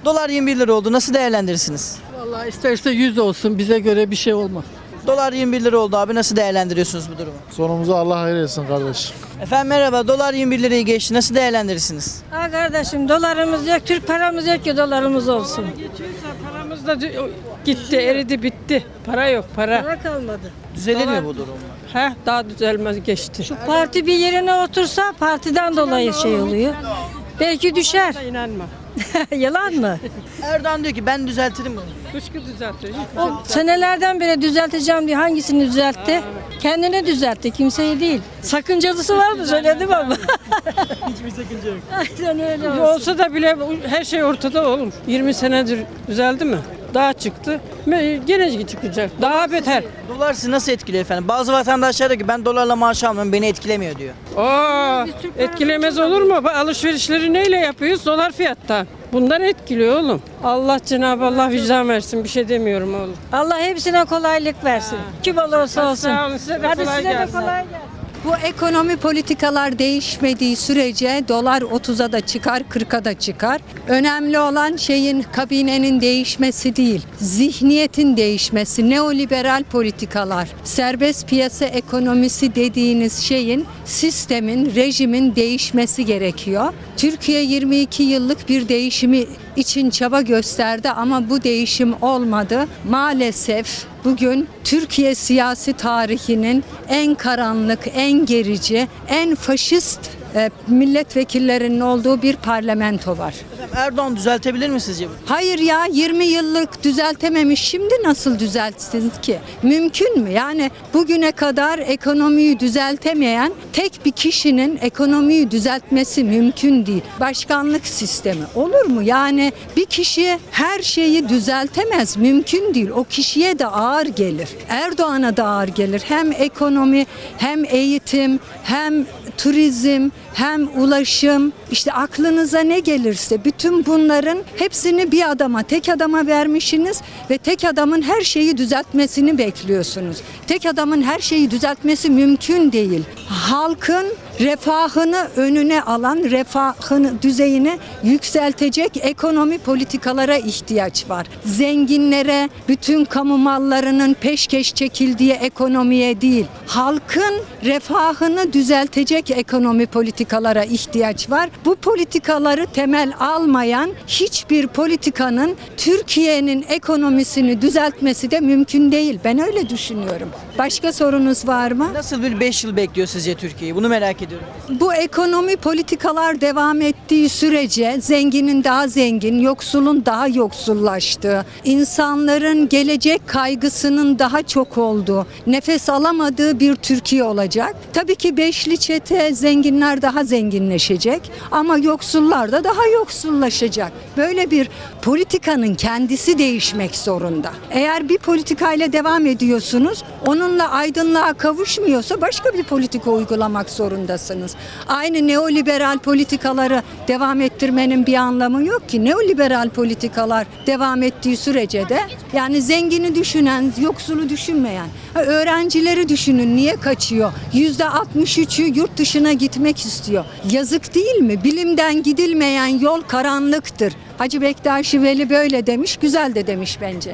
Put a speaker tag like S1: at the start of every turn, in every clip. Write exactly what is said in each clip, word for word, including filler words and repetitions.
S1: Dolar yirmi bir lira oldu. Nasıl değerlendirirsiniz?
S2: Vallahi isterse yüz olsun, bize göre bir şey olmaz.
S1: Dolar yirmi bir lira oldu abi. Nasıl değerlendiriyorsunuz bu durumu?
S3: Sonumuzu Allah hayır etsin kardeş.
S1: Efendim merhaba. Dolar yirmi bir lirayı geçti. Nasıl değerlendirirsiniz?
S4: Ha kardeşim, dolarımız yok, Türk paramız yok ki dolarımız olsun.
S2: Paramız da gitti, eridi, bitti. Para yok, para.
S4: Para kalmadı.
S1: Düzelir
S2: Dolar-
S1: mi bu durum?
S2: Heh, daha düzelmez, geçti.
S4: Parti bir yerine otursa partiden dolayı şey oluyor. Belki düşer.
S2: İnanma.
S4: Yalan mı?
S1: Erdoğan diyor ki ben düzeltirim bunu.
S2: Kuşku düzeltiyor.
S4: O senelerden beri düzelteceğim diye hangisini düzeltti? Kendini düzeltti, kimseyi değil. Sakıncalısı var mı söyledim ama.
S1: Hiçbir sakınca yok.
S4: Aynen öyle olsun.
S2: Olsa da bile her şey ortada oğlum. yirmi senedir düzeldi mi? Daha çıktı. Gene çıkacak. Daha beter.
S1: Dolar sizi nasıl etkiliyor efendim? Bazı vatandaşlar diyor ki ben dolarla maaş almıyorum beni etkilemiyor diyor.
S2: Aa, etkilemez olur mu? Bak, alışverişleri neyle yapıyoruz? Dolar fiyattan. Bundan etkiliyor oğlum. Allah Cenab-ı Allah vicdan versin. Bir şey demiyorum oğlum.
S4: Allah hepsine kolaylık versin. Kim olursa olsun.
S2: Sağ olun, size de
S4: Hadi
S2: kolay
S4: size de
S2: gelsin.
S4: kolay gelsin.
S5: Bu ekonomi politikalar değişmediği sürece dolar otuza da çıkar, kırka da çıkar. Önemli olan şeyin, kabinenin değişmesi değil, zihniyetin değişmesi, neoliberal politikalar, serbest piyasa ekonomisi dediğiniz şeyin, sistemin, rejimin değişmesi gerekiyor. Türkiye yirmi iki yıllık bir değişimi için çaba gösterdi ama bu değişim olmadı. Maalesef bugün Türkiye siyasi tarihinin en karanlık, en gerici, en faşist e, milletvekillerinin olduğu bir parlamento var.
S1: Efendim Erdoğan düzeltebilir mi sizce bu?
S5: Hayır ya, yirmi yıllık düzeltememiş, şimdi nasıl düzeltsin ki? Mümkün mü? Yani bugüne kadar ekonomiyi düzeltemeyen tek bir kişinin ekonomiyi düzeltmesi mümkün değil. Başkanlık sistemi olur mu? Yani bir kişi her şeyi düzeltemez, mümkün değil. O kişiye de ağır gelir. Erdoğan'a da ağır gelir. Hem ekonomi, hem eğitim, hem turizm, hem ulaşım, işte aklınıza ne gelirse bütün bunların hepsini bir adama, tek adama vermişsiniz ve tek adamın her şeyi düzeltmesini bekliyorsunuz. Tek adamın her şeyi düzeltmesi mümkün değil. Halkın refahını önüne alan, refahını, düzeyini yükseltecek ekonomi politikalara ihtiyaç var. Zenginlere, bütün kamu mallarının peşkeş çekildiği ekonomiye değil, halkın refahını düzeltecek ekonomi politikalara ihtiyaç var. Bu politikaları temel almayan hiçbir politikanın Türkiye'nin ekonomisini düzeltmesi de mümkün değil. Ben öyle düşünüyorum. Başka sorunuz var mı?
S1: Nasıl bir beş yıl bekliyor sizce Türkiye'yi? Bunu merak ediyorum.
S5: Bu ekonomi politikalar devam ettiği sürece zenginin daha zengin, yoksulun daha yoksullaştığı, insanların gelecek kaygısının daha çok olduğu, nefes alamadığı bir Türkiye olacak. Tabii ki beşli çete, zenginler daha zenginleşecek ama yoksullar da daha yoksullaşacak. Böyle bir politikanın kendisi değişmek zorunda. Eğer bir politikayla devam ediyorsunuz, onunla aydınlığa kavuşmuyorsa başka bir politika uygulamak zorundasınız. Aynı neoliberal politikaları devam ettirmenin bir anlamı yok ki. Neoliberal politikalar devam ettiği sürece de yani zengini düşünen, yoksulu düşünmeyen, öğrencileri düşünün niye kaçıyor? yüzde altmış üçü yurt dışına gitmek istiyor. Yazık değil mi? Bilimden gidilmeyen yol karanlıktır. Hacı Bektaş Veli böyle demiş, güzel de demiş bence.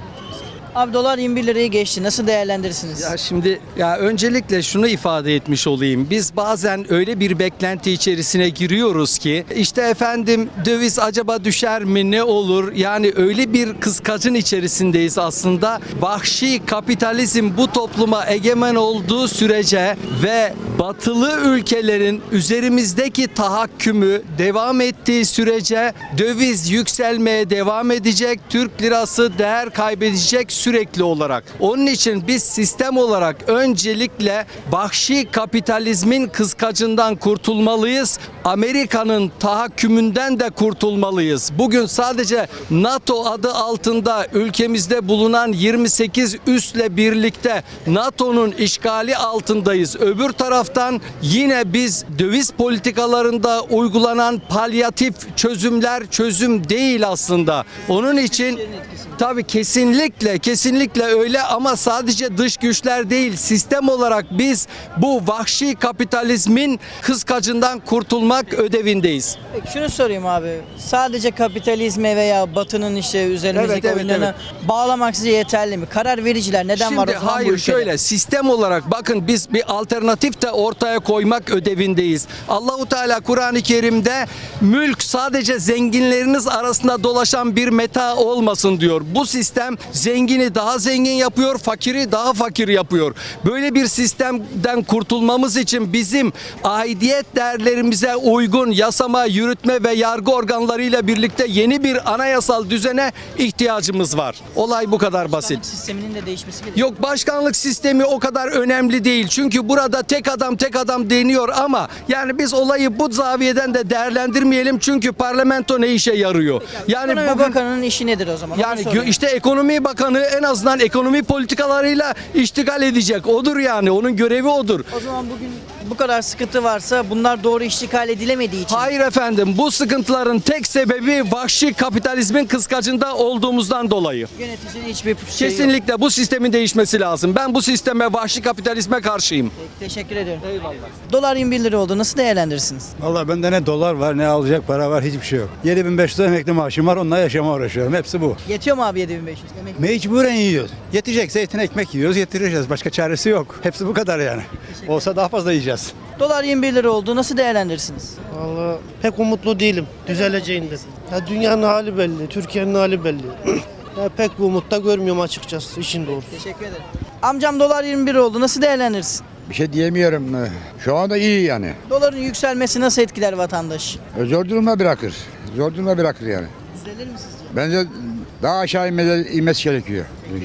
S1: Abi dolar yirmi bir lirayı geçti. Nasıl değerlendirirsiniz?
S6: Ya şimdi ya öncelikle şunu ifade etmiş olayım. Biz bazen öyle bir beklenti içerisine giriyoruz ki işte efendim döviz acaba düşer mi ne olur? Yani öyle bir kıskacın içerisindeyiz aslında. Vahşi kapitalizm bu topluma egemen olduğu sürece ve batılı ülkelerin üzerimizdeki tahakkümü devam ettiği sürece döviz yükselmeye devam edecek. Türk lirası değer kaybedecek sürekli olarak. Onun için biz sistem olarak öncelikle vahşi kapitalizmin kıskacından kurtulmalıyız. Amerika'nın tahakkümünden de kurtulmalıyız. Bugün sadece NATO adı altında ülkemizde bulunan yirmi sekiz üsle birlikte NATO'nun işgali altındayız. Öbür taraftan yine biz döviz politikalarında uygulanan palyatif çözümler çözüm değil aslında. Onun için tabii kesinlikle kesinlikle öyle ama sadece dış güçler değil, sistem olarak biz bu vahşi kapitalizmin kıskacından kurtulmak ödevindeyiz.
S1: Peki şunu sorayım abi. Sadece kapitalizme veya batının işte üzerimizdeki
S6: Evet, evet,
S1: oyunlarına bağlamak size yeterli mi? Karar vericiler neden
S6: Şimdi
S1: var o zaman bu
S6: hayır
S1: ülkede?
S6: şöyle sistem olarak bakın biz bir alternatif de ortaya koymak ödevindeyiz. Allahu Teala Kur'an-ı Kerim'de mülk sadece zenginleriniz arasında dolaşan bir meta olmasın diyor. Bu sistem zengini daha zengin yapıyor, fakiri daha fakir yapıyor. Böyle bir sistemden kurtulmamız için bizim aidiyet değerlerimize uygun yasama, yürütme ve yargı organlarıyla birlikte yeni bir anayasal düzene ihtiyacımız var. Olay bu kadar basit.
S1: Başkanlık sisteminin de değişmesi gerekiyor.
S6: Yok başkanlık sistemi o kadar önemli değil. Çünkü burada tek adam tek adam deniyor ama yani biz olayı bu zaviyeden de değerlendirmeyelim. Çünkü parlamento ne işe yarıyor? Yani
S1: Ekonomi
S6: bugün
S1: Bakanı'nın işi nedir o zaman? Onu
S6: yani
S1: sorayım.
S6: gö- işte ekonomi bakanı en azından ekonomi politikalarıyla iştigal edecek. Odur yani. Onun görevi odur.
S1: O zaman bugün bu kadar sıkıntı varsa bunlar doğru iştikal edilemediği için.
S6: Hayır efendim. Bu sıkıntıların tek sebebi vahşi kapitalizmin kıskacında olduğumuzdan dolayı.
S1: Yöneticinin hiçbir şey yok.
S6: Kesinlikle bu sistemin değişmesi lazım. Ben bu sisteme, vahşi kapitalizme karşıyım.
S1: Peki, teşekkür ediyorum. Eyvallah. Dolar yirmi bir lira oldu. Nasıl değerlendirirsiniz?
S7: Vallahi bende ne dolar var ne alacak para var hiçbir şey yok. yedi bin beş yüz emekli maaşım var onunla yaşama uğraşıyorum. Hepsi bu.
S1: Yetiyor mu abi yedi bin beş yüz? Demek
S7: Mecburen yiyoruz. Yetecek zeytin ekmek yiyoruz yetireceğiz. Başka çaresi yok. Hepsi bu kadar yani. Olsa daha fazla yiyeceğiz.
S1: Dolar yirmi bir lira oldu. Nasıl değerlendirirsiniz?
S8: Vallahi pek umutlu değilim düzeleceğinden. Ya dünyanın hali belli, Türkiye'nin hali belli. Ya pek bu umutta görmüyorum açıkçası işin doğrusu.
S1: Teşekkür ederim. Amcam dolar yirmi bir oldu. Nasıl değerlendirirsin?
S9: Bir şey diyemiyorum. Şu anda iyi yani.
S1: Doların yükselmesi nasıl etkiler vatandaş?
S9: Zor durumda bırakır. Zor durumda bırakır yani.
S1: Düzelir mi sizce?
S9: Bence daha aşağı inmesi, inmesi gerekiyor.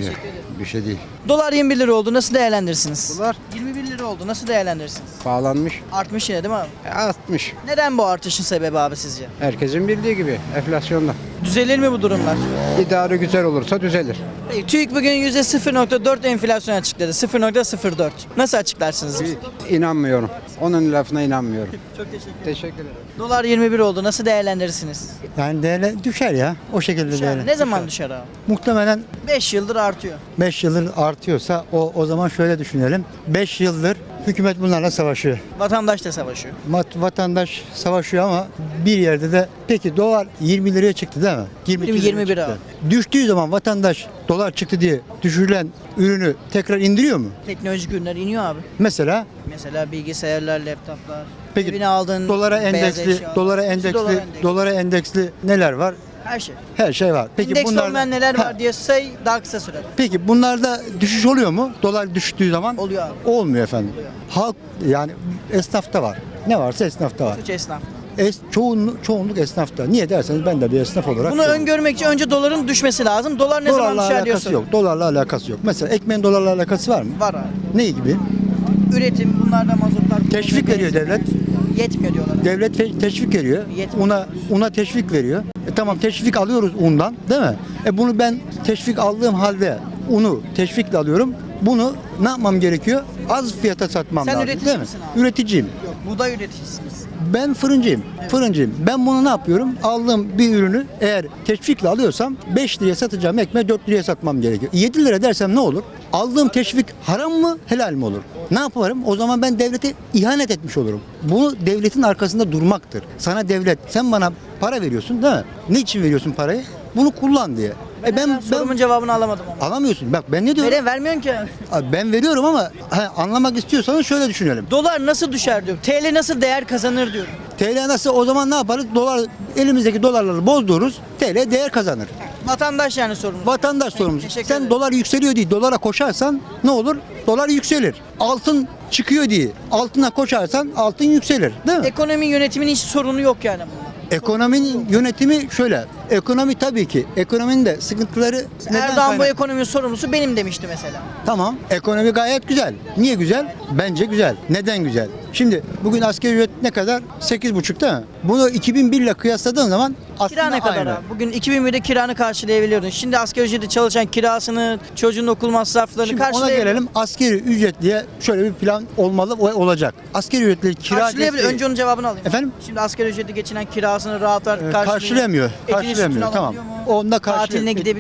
S9: Bir şey değil.
S1: Dolar yirmi bir lira oldu. Nasıl değerlendirirsiniz?
S7: Dolar
S1: yirmi bir lira oldu. Nasıl değerlendirirsiniz?
S7: pahalanmış.
S1: Artmış yine değil mi abi?
S7: Artmış.
S1: Neden bu artışın sebebi abi sizce?
S7: Herkesin bildiği gibi enflasyonda.
S1: Düzelir mi bu durumlar?
S7: İdare güzel olursa düzelir.
S1: Peki, TÜİK bugün yüzde sıfır nokta dört enflasyon açıkladı. sıfır nokta sıfır dört. Nasıl açıklarsınız?
S7: İnanmıyorum. Onun lafına inanmıyorum.
S1: Çok teşekkür ederim.
S7: Teşekkür ederim.
S1: Dolar yirmi bir oldu. Nasıl değerlendirirsiniz?
S10: Yani değerli düşer ya. O şekilde
S1: Düşer mi?
S10: değerli.
S1: Ne zaman düşer abi?
S10: Muhtemelen
S1: beş yıldır artıyor.
S10: beş yıldır artıyorsa o o zaman şöyle düşünelim. beş yıldır hükümet bunlarla savaşıyor.
S1: Vatandaş da savaşıyor.
S10: Mat- vatandaş savaşıyor ama bir yerde de peki dolar yirmi liraya çıktı değil mi? yirmi iki
S1: yirmi,
S10: liraya
S1: yirmi bir
S10: çıktı.
S1: abi.
S10: Düştüğü zaman vatandaş dolar çıktı diye düşürülen ürünü tekrar indiriyor mu?
S1: Teknolojik ürünler iniyor abi.
S10: Mesela
S1: Mesela bilgisayarlar, laptoplar.
S10: Peki,
S1: Evine aldığın
S10: dolara
S1: beyaz
S10: endeksli,
S1: eşya.
S10: dolara
S1: Hepsi
S10: endeksli,
S1: dolara endeksli.
S10: dolara endeksli neler var?
S1: Her şey.
S10: Her şey var. Peki
S1: İndeks
S10: bunlar
S1: olmayan neler
S10: Ha,
S1: var diye say daha kısa sürer.
S10: Peki bunlarda düşüş oluyor mu? Dolar düştüğü zaman?
S1: Oluyor abi.
S10: Olmuyor efendim. Halk yani esnafta var. Ne varsa esnafta var.
S1: Suç esnaf.
S10: Es, çoğunluk, çoğunluk esnafta. Niye derseniz ben de bir esnaf olarak.
S1: Bunu öngörmek için önce doların düşmesi lazım. Dolar ne
S10: dolarla
S1: zaman düşer
S10: alakası
S1: diyorsun?
S10: yok. Dolarla alakası yok. Mesela ekmeğin dolarla alakası var mı?
S1: Var abi.
S10: Ne gibi?
S1: Üretim bunlarda mazotlar.
S10: Teşvik veriyor devlet.
S1: Yetmiyor diyorlar.
S10: Devlet fe- teşvik veriyor.
S1: Yetmiyor.
S10: Una una teşvik veriyor. E tamam teşvik alıyoruz undan, değil mi? E bunu ben teşvik aldığım halde unu teşvikle alıyorum. Bunu ne yapmam gerekiyor? Az fiyata satmam
S1: Sen
S10: lazım,
S1: üretici
S10: değil mi?
S1: misin abi?
S10: Üreticiyim.
S1: Yok, buğday üreticisiniz.
S10: Ben fırıncıyım. Fırıncıyım. Ben bunu ne yapıyorum? Aldığım bir ürünü eğer teşvikle alıyorsam beş liraya satacağım ekmeği dört liraya satmam gerekiyor. yedi lira dersem ne olur? Aldığım teşvik haram mı, helal mi olur? Ne yaparım? O zaman ben devlete ihanet etmiş olurum. Bunu devletin arkasında durmaktır. Sana devlet, sen bana para veriyorsun değil mi? Ne için veriyorsun parayı? Bunu kullan diye.
S1: Ben,
S10: E ben,
S1: sorumun
S10: ben
S1: cevabını alamadım ama.
S10: alamıyorsun. Bak ben ne diyorum?
S1: Neden vermiyorsun ki?
S10: Abi ben veriyorum ama ha, anlamak istiyorsanız şöyle düşünelim.
S1: Dolar nasıl düşer diyorum. T L nasıl değer kazanır diyorum.
S10: T L nasıl o zaman ne yaparız? Dolar elimizdeki dolarları bozdururuz. T L değer kazanır.
S1: Vatandaş yani sorumlu.
S10: Vatandaş sorumlusu.
S1: teşekkür
S10: Sen
S1: ederim.
S10: dolar yükseliyor diye dolara koşarsan ne olur? Dolar yükselir. Altın çıkıyor diye altına koşarsan altın yükselir. Değil mi?
S1: Ekonomi yönetiminin hiç sorunu yok yani bunun.
S10: Ekonominin yönetimi şöyle. Ekonomi tabii ki. Ekonominin de sıkıntıları neden
S1: Erdoğan bu
S10: kaynak-
S1: ekonominin sorumlusu benim demişti mesela.
S10: Tamam. Ekonomi gayet güzel. Niye güzel? Bence güzel. Neden güzel? Şimdi bugün asgari ücret ne kadar? sekiz buçuk değil mi? Bunu iki bin bir ile kıyasladığın zaman aslında
S1: Kira ne kadar
S10: aynı.
S1: abi? Bugün iki bin birde kiranı karşılayabiliyordun. Şimdi asgari ücretle çalışan kirasını, çocuğun okul masraflarını
S10: Şimdi ona
S1: karşılayabiliyor.
S10: gelelim. Asgari ücretliye şöyle bir plan olmalı ve olacak. Asgari ücretli kira
S1: Karşılayabiliyor.
S10: desteği-
S1: Önce onun cevabını alayım.
S10: Efendim?
S1: Şimdi asgari ücreti geçinen kirasını rahat rahat
S10: Ee,
S1: karşılıyor.
S10: karşılayamıyor.
S1: Etini sütünü
S10: Karşılayamıyor. Tamam.
S1: alabiliyor mu?
S10: Onda
S1: Tatiline
S10: karşılayamıyor.
S1: gidebiliyor mu?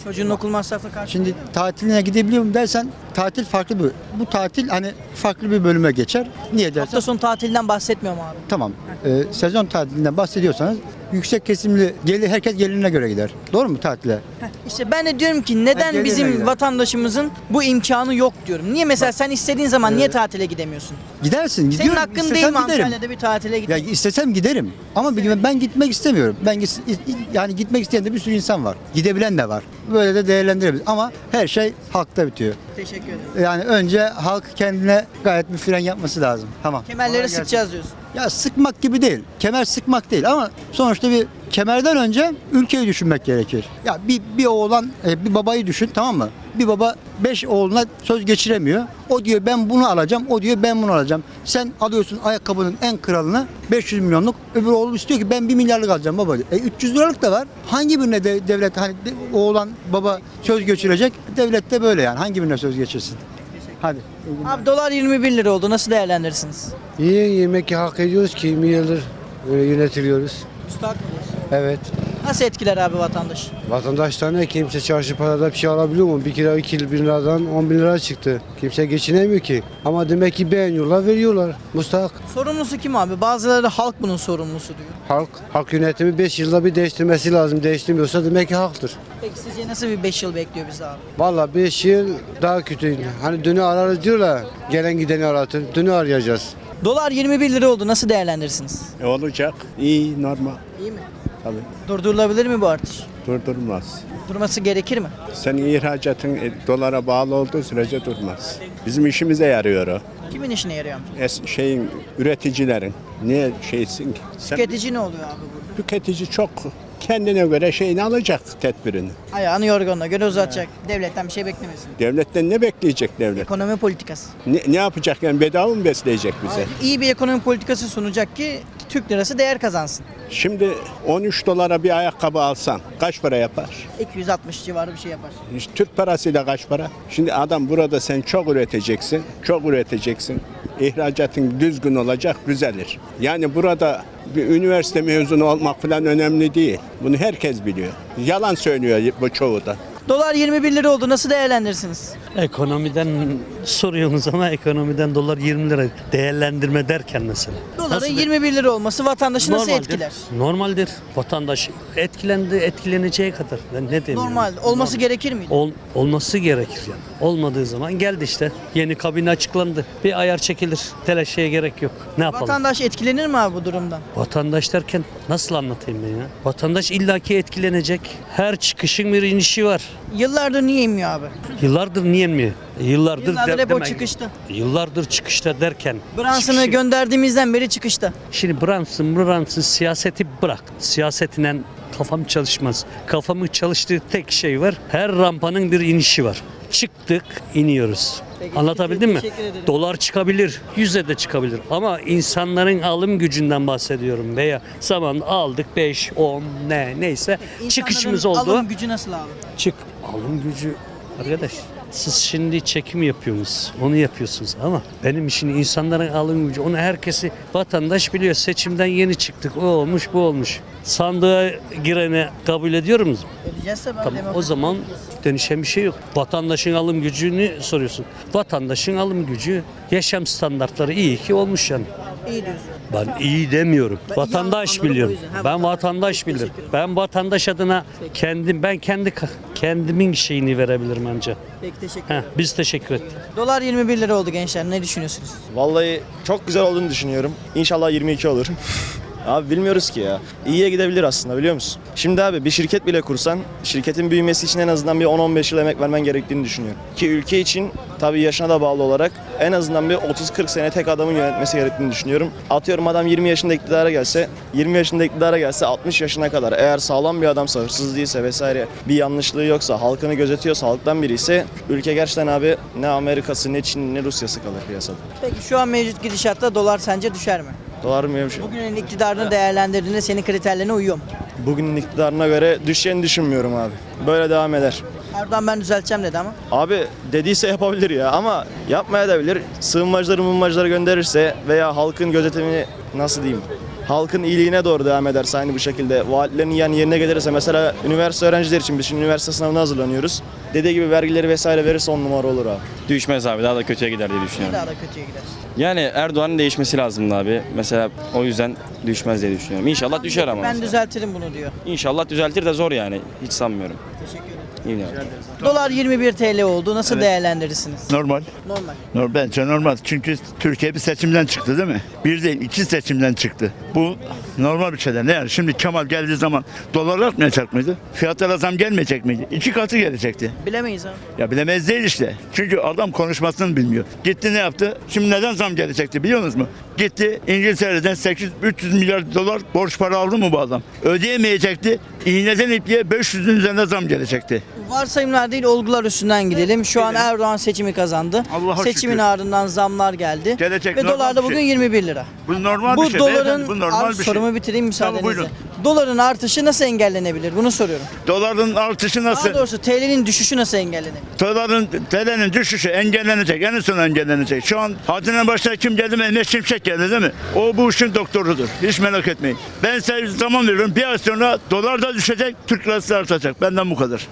S1: Çocuğun okul masrafı karşı.
S10: Şimdi tatiline gidebiliyor muyum dersen tatil farklı bir. Bu tatil hani farklı bir bölüme geçer. Niye dersen?
S1: Hafta sonu tatilinden bahsetmiyorum abi.
S10: Tamam. Ee, sezon tatilinden bahsediyorsanız yüksek kesimli gelir herkes gelirine göre gider. Doğru mu tatile?
S1: İşte ben de diyorum ki neden
S10: gelirine
S1: bizim
S10: gider.
S1: vatandaşımızın bu imkanı yok diyorum. Niye mesela sen istediğin zaman niye tatile gidemiyorsun?
S10: Gidersin. Gidiyorum.
S1: Senin hakkın
S10: İstesem
S1: değil mi
S10: giderim.
S1: Antalya'da bir tatile
S10: Ya
S1: gitmek?
S10: istesem giderim. Ama bir- ben gitmek istemiyorum. Ben git- yani gitmek isteyen de bir sürü insan var. Gidebilen de var. Böyle de değerlendirebiliriz. Ama her şey halkta bitiyor.
S1: Teşekkür ederim.
S10: Yani önce halk kendine gayet bir fren yapması lazım. Tamam.
S1: Kemerleri
S10: Kolay gelsin.
S1: sıkacağız diyorsun.
S10: Ya sıkmak gibi değil. Kemer sıkmak değil ama sonuçta bir kemerden önce ülkeyi düşünmek gerekir. Ya bir, bir oğlan, e, bir babayı düşün, tamam mı? Bir baba beş oğluna söz geçiremiyor. O diyor ben bunu alacağım, o diyor ben bunu alacağım. Sen alıyorsun ayakkabının en kralını beş yüz milyonluk. Öbür oğlum istiyor ki ben bir milyarlık alacağım baba diyor. E üç yüz liralık da var. Hangi birine de, devlet hani de- oğlan baba söz geçirecek? Devlet de böyle yani. Hangi birine söz geçirsin? Hadi.
S1: Abi dolar yirmi bir lira oldu. Nasıl değerlendirirsiniz?
S8: İyi yemek hak ediyoruz ki yirmi yıldır böyle yönetiliyoruz.
S1: Müstahak mı diyorsun?
S8: Evet.
S1: Nasıl etkiler abi vatandaş?
S8: Vatandaşlar ne kimse çarşı parada bir şey alabiliyor mu? Bir kilo iki bin liradan on bin lira çıktı. Kimse geçinemiyor ki. Ama demek ki beğeniyorlar veriyorlar. Mustahak.
S1: Sorumlusu kim abi? Bazıları da halk bunun sorumlusu diyor.
S8: Halk, halk yönetimi beş yılda bir değiştirmesi lazım. Değiştirmiyorsa demek ki halktır.
S1: Peki sizce nasıl bir beş yıl bekliyor bizi abi?
S8: Vallahi beş yıl daha kötü. Hani dünü ararız diyorlar. Gelen gideni aratır. Dünü arayacağız.
S1: Dolar yirmi bir lira oldu. Nasıl değerlendirirsiniz?
S11: E, olacak. İyi, normal.
S1: İyi mi?
S11: Tabii.
S1: Durdurulabilir mi bu artış?
S11: Durdurmaz.
S1: Durması gerekir mi?
S11: Senin ihracatın e, dolara bağlı olduğu sürece durmaz. Bizim işimize yarıyor o.
S1: Kimin işine yarıyor amca?
S11: Es, şeyin, üreticilerin. Niye şeysin ki? Sen,
S1: Tüketici ne oluyor abi burada?
S11: tüketici çok kendine göre şeyini alacak tedbirini.
S1: Ayağını yorganına göre uzatacak. Devletten bir şey beklemesin.
S11: Devletten ne bekleyecek devlet?
S1: Ekonomi politikası.
S11: Ne, ne yapacak yani bedava mı besleyecek bize?
S1: İyi bir ekonomi politikası sunacak ki Türk lirası değer kazansın.
S11: Şimdi on üç dolara bir ayakkabı alsan kaç para yapar?
S1: iki yüz altmış civarı bir şey yapar.
S11: İşte Türk parasıyla kaç para? Şimdi adam burada sen çok üreteceksin, çok üreteceksin. İhracatın düzgün olacak, düzelir. Yani burada bir üniversite mezunu olmak falan önemli değil. Bunu herkes biliyor. Yalan söylüyor bu çoğu da.
S1: Dolar yirmi bir lira oldu. Nasıl değerlendirirsiniz?
S12: Ekonomiden soruyorsunuz ama ekonomiden dolar yirmi lira değerlendirme derken mesela.
S1: Doların
S12: Nasıl-
S1: yirmi bir lira olması vatandaşı nasıl
S12: Normaldir.
S1: etkiler?
S12: Normaldir. Vatandaş etkilendi, etkileneceği kadar. Ben ne diyeyim?
S1: Normal.
S12: yani?
S1: Olması
S12: Normal.
S1: gerekir miydi?
S12: Ol, olması gerekir yani. Olmadığı zaman geldi işte. Yeni kabine açıklandı. Bir ayar çekilir. Telaşeye gerek yok. Ne yapalım?
S1: Vatandaş etkilenir mi abi bu durumdan?
S12: Vatandaş derken nasıl anlatayım ben ya? Vatandaş illaki etkilenecek. Her çıkışın bir inişi var.
S1: Yıllardır niye inmiyor abi?
S12: Yıllardır niye mi? Yıllardır,
S1: Yıllardır
S12: de-
S1: hep o
S12: demek-
S1: çıkışta.
S12: Yıllardır çıkışta derken.
S1: Branson'ı
S12: çıkışı-
S1: gönderdiğimizden beri çıkışta.
S12: Şimdi Brunson, Brunson siyaseti bırak. Siyasetinen kafam çalışmaz. Kafamı çalıştığı tek şey var. Her rampanın bir inişi var. Çıktık, iniyoruz.
S1: Peki,
S12: Anlatabildim mi?
S1: teşekkür ederim.
S12: Dolar çıkabilir, yüze de çıkabilir. Ama insanların alım gücünden bahsediyorum. Veya zaman aldık beş, on ne neyse çıkışımız
S1: İnsanların
S12: oldu.
S1: alım gücü nasıl abi?
S12: Çık. Alım gücü arkadaş. Siz şimdi çekim yapıyorsunuz. Onu yapıyorsunuz ama benim için insanların alım gücü. Onu herkesi vatandaş biliyor. Seçimden yeni çıktık. O olmuş, bu olmuş. Sandığa girene kabul ediyor musunuz?
S1: Ödeyeceğiz tabii. abi,
S12: Tamam. O
S1: demokrasi.
S12: zaman dönüşen bir şey yok. Vatandaşın alım gücünü soruyorsun. Vatandaşın alım gücü, yaşam standartları iyi ki olmuş yani.
S1: İyi diyorsun.
S12: Ben iyi demiyorum.
S1: Ben iyi
S12: vatandaş
S1: anladım,
S12: biliyor.
S1: o yüzden. Ha,
S12: Ben
S1: vatandaş.
S12: vatandaş bilirim.
S1: Teşekkür ederim.
S12: Ben vatandaş adına kendim ben kendi kendimin şeyini verebilirim ancak.
S1: Peki teşekkür
S12: Heh,
S1: ederim.
S12: biz teşekkür ettik.
S1: Dolar yirmi bir lira oldu gençler. Ne düşünüyorsunuz?
S13: Vallahi çok güzel olduğunu düşünüyorum. İnşallah yirmi iki olur. Abi bilmiyoruz ki ya. İyiye gidebilir aslında biliyor musun? Şimdi abi bir şirket bile kursan şirketin büyümesi için en azından bir on on beş yıl emek vermen gerektiğini düşünüyorum. Ki ülke için tabii yaşına da bağlı olarak en azından bir otuz kırk sene tek adamın yönetmesi gerektiğini düşünüyorum. Atıyorum adam yirmi yaşında iktidara gelse, yirmi yaşında iktidara gelse altmış yaşına kadar eğer sağlam bir adamsa, hırsız değilse vesaire bir yanlışlığı yoksa, halkını gözetiyorsa, halktan biri ise ülke gerçekten abi ne Amerika'sı, ne Çin, ne Rusya'sı kalır piyasada.
S1: Peki şu an mevcut gidişatta dolar sence düşer mi?
S13: Dolar mı bir şey?
S1: Bugünün iktidarını değerlendirdiğinde senin kriterlerine uyuyor mu?
S13: Bugünün iktidarına göre düşeceğini düşünmüyorum abi. Böyle devam eder.
S1: Erdoğan ben düzelteceğim dedi ama.
S13: Abi dediyse yapabilir ya ama yapmaya da bilir. Sığınmacıları mığınmacıları gönderirse veya halkın gözetimini nasıl diyeyim halkın iyiliğine doğru devam ederse aynı bu şekilde vaatlerin yani yerine gelirse mesela üniversite öğrencileri için biz şimdi üniversite sınavına hazırlanıyoruz. Dediği gibi vergileri vesaire verirse on numara olur abi.
S14: Düşmez abi, daha da kötüye gider diye düşünüyorum.
S1: Daha da kötüye gider.
S14: Yani Erdoğan'ın değişmesi lazımdı abi. Mesela o yüzden düşmez diye düşünüyorum. İnşallah düşer ama.
S1: Ben
S14: mesela.
S1: düzeltirim bunu diyor.
S14: İnşallah düzeltir de zor yani. Hiç sanmıyorum.
S1: Teşekkür ederim.
S14: İyi yani.
S1: Dolar yirmi bir T L oldu. Nasıl değerlendirirsiniz?
S9: Normal.
S1: Normal.
S9: Normal. Bence normal. Çünkü Türkiye bir seçimden çıktı değil mi? Bir değil iki seçimden çıktı. Bu normal bir şeyler. Ne yani? Şimdi Kemal geldiği zaman dolar artmayacak mıydı? Fiyatlara zam gelmeyecek miydi? İki katı gelecekti.
S1: Bilemeyiz abi.
S9: Ya bilemez değil işte. Çünkü adam konuşmasını bilmiyor. Gitti ne yaptı? Şimdi neden zam gelecekti biliyor musunuz mu? Gitti İngiltere'den sekiz üç yüz milyar dolar borç para aldı mı bu adam? Ödeyemeyecekti. İğneden ipliğe beş yüzün üzerine zam gelecekti.
S1: Varsayımlar değil, olgular üstünden gidelim. Şu an Erdoğan seçimi kazandı.
S9: Allah'a
S1: Seçimin
S9: şükür.
S1: ardından zamlar geldi.
S9: Gelecek
S1: Ve
S9: normal
S1: dolar da
S9: bir
S1: bugün
S9: şey.
S1: yirmi bir lira.
S9: Bu normal
S1: Bu
S9: bir şey.
S1: doların
S9: Beyefendi, bu normal
S1: Abi
S9: bir şey.
S1: sorumu bitireyim müsaadenizle.
S9: buyurun.
S1: Doların artışı nasıl engellenebilir? Bunu soruyorum.
S9: Doların artışı nasıl?
S1: Daha doğrusu T L'nin düşüşü nasıl engellenebilir?
S9: Doların, T L'nin düşüşü engellenecek. En son engellenecek. Şu an hadine başına kim geldi? Mehmet Şimşek geldi değil mi? O bu işin doktorudur. Hiç merak etmeyin. Ben size zaman veriyorum. Bir ay sonra dolar da düşecek, Türk lirası artacak. Benden bu kadar.